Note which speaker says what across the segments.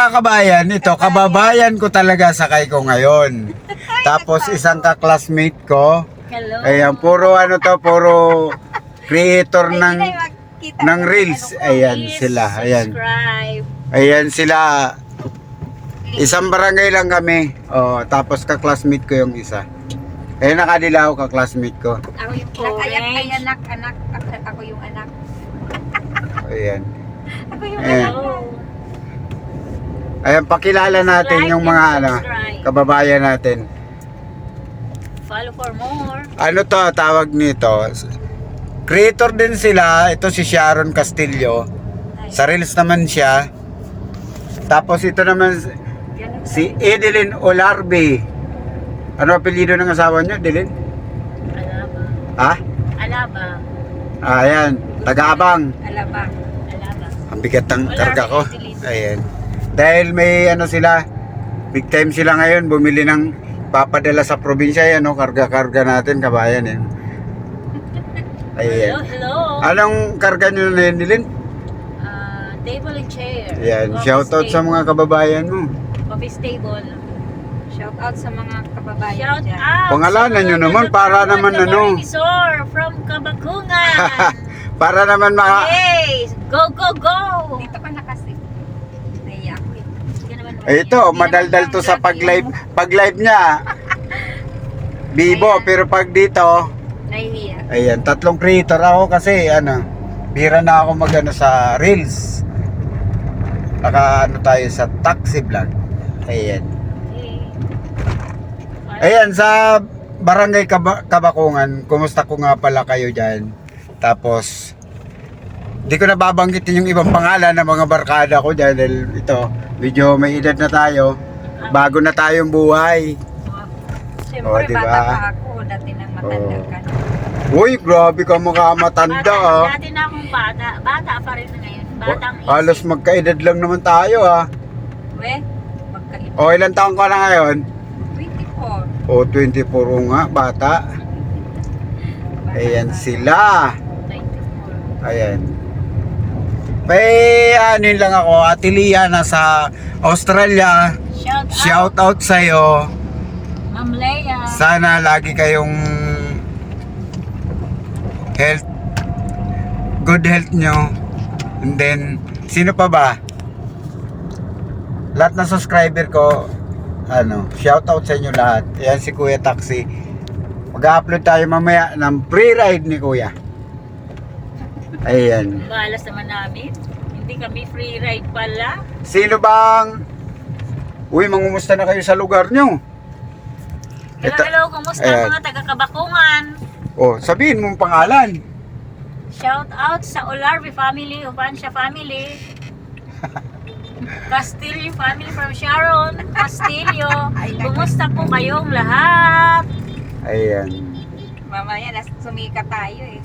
Speaker 1: mga kabayan, ito, kababayan ko talaga sakay ko ngayon. Tapos isang ka-classmate ko.
Speaker 2: Hello.
Speaker 1: Ayan, puro ano to, puro creator ng reels. Ayan
Speaker 2: Please
Speaker 1: sila, ayan.
Speaker 2: subscribe.
Speaker 1: Ayan sila. Isang barangay lang kami. Oh, tapos ka-classmate ko yung isa. Eh nakadilaw ka-classmate ko.
Speaker 2: Ako yung
Speaker 3: Ay,
Speaker 2: orange.
Speaker 3: anak. Ako yung anak.
Speaker 1: Ayan.
Speaker 3: Ako yung
Speaker 1: Ayan.
Speaker 3: anak.
Speaker 1: Ayan, pakilala natin
Speaker 2: Like
Speaker 1: yung
Speaker 2: and
Speaker 1: mga ano,
Speaker 2: subscribe.
Speaker 1: kababayan natin.
Speaker 2: Follow for more.
Speaker 1: Ano to, tawag nito? Creator din sila. Ito si Sharon Castillo. Sa Reels naman siya. Tapos ito naman si Edeline Olarbe. Ano apelyido ng asawa niyo, Edeline?
Speaker 2: Alaba.
Speaker 1: Ha?
Speaker 2: Alaba.
Speaker 1: Ayan, taga-abang.
Speaker 3: Alabang.
Speaker 2: Alaba.
Speaker 1: Ang bigat ng
Speaker 2: Olarbe,
Speaker 1: karga ko.
Speaker 2: Edeline.
Speaker 1: Ayan. Dahil may ano sila, big time sila ngayon, bumili ng papadala sa probinsya yan, no? Karga-karga natin, kabayan yan. Ayan.
Speaker 2: Hello.
Speaker 1: Anong karga nyo na yun, Edeline?
Speaker 2: Table and chair.
Speaker 1: Ayan,
Speaker 2: Office
Speaker 1: shoutout sa
Speaker 2: table.
Speaker 1: mga kababayan mo.
Speaker 2: Office table.
Speaker 3: Shout out sa mga kababayan
Speaker 2: Shout
Speaker 3: dyan.
Speaker 2: out.
Speaker 1: Pangalanan
Speaker 2: sa
Speaker 1: nyo
Speaker 2: mga
Speaker 1: naman, para naman ano.
Speaker 2: Resort from Kabakungan.
Speaker 1: Para naman
Speaker 2: Hey, go, go, go.
Speaker 3: Dito ka na kasi. Naiya ako eh.
Speaker 2: Hindi ka naman
Speaker 1: Ito, madaldal to sa pag-live niya. Bibo,
Speaker 3: Ayan.
Speaker 1: pero pag dito,
Speaker 3: Nahihiya.
Speaker 1: ayan, tatlong creator ako kasi ano, bira na ako magano sa Reels. Naka ano tayo sa taxi vlog. Ayan. Ayan, sa Barangay Kabakungan, kumusta ko nga pala kayo dyan? Tapos, di ko na babanggitin yung ibang pangalan ng mga barkada ko dyan dahil ito, medyo may edad na tayo. Bago na tayong buhay.
Speaker 3: Siyempre,
Speaker 1: diba?
Speaker 3: bata pa ako. Dati nang matanda ka na.
Speaker 1: Uy, grabe ka mukha matanda ah.
Speaker 2: Dati na akong bata. Bata pa rin ngayon. Batang
Speaker 1: Halos
Speaker 2: isip.
Speaker 1: magkaedad lang naman tayo ah.
Speaker 3: We, magkaiba.
Speaker 1: O, ilang taon ka na ngayon?
Speaker 3: 24.
Speaker 1: O, 24 nga, bata. Ayan sila.
Speaker 2: 94.
Speaker 1: Ayan. May ano lang ako, Ate Lia nasa Australia. Shout out sa'yo.
Speaker 2: Ma'am Leia.
Speaker 1: Sana lagi kayong good health nyo. And then, sino pa ba? Lahat ng subscriber ko, ano, shout out sa inyo lahat. Ayan si Kuya Taxi. Mag-upload tayo mamaya ng free ride ni Kuya. Ayan.
Speaker 2: Balas naman namin. Hindi kami free ride pala.
Speaker 1: Sino bang... Uy, mangumusta na kayo sa lugar nyo?
Speaker 2: Hello,
Speaker 1: Ito-
Speaker 2: hello. Kumusta
Speaker 1: Ayan.
Speaker 2: mga taga-Kabakungan?
Speaker 1: Oh, sabihin mong pangalan.
Speaker 2: Shout out sa Olarbe family, Ubansya family. Castillo family from Sharon, Castillo. Kumusta po kayong lahat?
Speaker 1: Ayan.
Speaker 3: Mamaya, sumika tayo eh.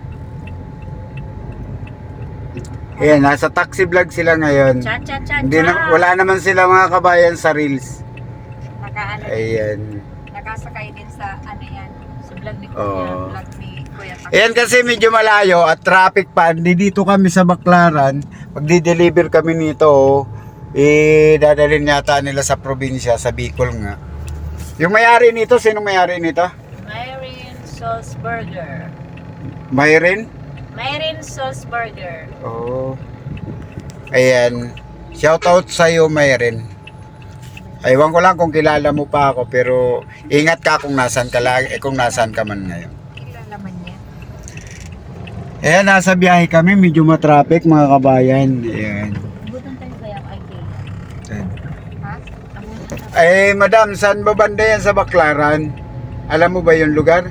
Speaker 1: Ayan, nasa taxi vlog sila ngayon.
Speaker 2: Cha cha cha
Speaker 1: Hindi na, wala naman sila mga kabayan sa Reels.
Speaker 3: Nakaano,
Speaker 1: Ayan.
Speaker 3: nakasakay din sa ano yan.
Speaker 2: Sa vlog ni
Speaker 1: Oh.
Speaker 2: Kuya.
Speaker 3: Vlog ni Kuya Tax.
Speaker 1: Ayan kasi medyo malayo at traffic pa. Dito kami sa Baclaran. Magdi-deliver kami nito. Dadalhin yata nila sa probinsya, sa Bicol nga. Yung may-ari nito, sinong may-ari nito?
Speaker 2: Myrin Sauce Burger.
Speaker 1: Mayrin?
Speaker 2: Myrin Sauce Burger.
Speaker 1: Oh. Ayan. Shoutout sa iyo, Mayrin. Aywan ko lang kung kilala mo pa ako, pero ingat ka kung nasan ka kung nasan ka man ngayon.
Speaker 3: Kilala man niya.
Speaker 1: Ayan, nasa biyahe kami, medyo matraffic mga kabayan. Ayan.
Speaker 2: Abutan tayo kaya kay Kay.
Speaker 1: Ayan.
Speaker 3: Ha?
Speaker 2: Abutan tayo.
Speaker 1: Eh, madam, saan ba banda yan sa Baclaran? Alam mo ba yung lugar?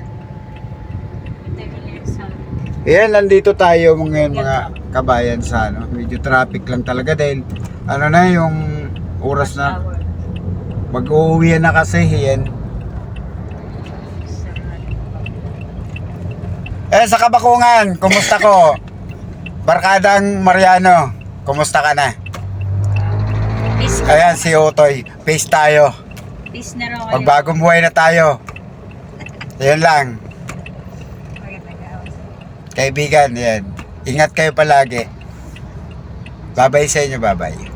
Speaker 1: Ayan, nandito tayo mga kabayan sa ano. Medyo traffic lang talaga dahil ano na yung oras na mag-uuwi na kasi yan. Sa Kabakungan, kumusta ko? Barkadang Mariano, kumusta ka na?
Speaker 2: Peace,
Speaker 1: Ayan si Otoy, peace tayo.
Speaker 2: peace na raw kayo.
Speaker 1: Magbagong buhay na tayo. Ayan lang. Kaibigan, yan. Ingat kayo palagi. Babay sa inyo, babay.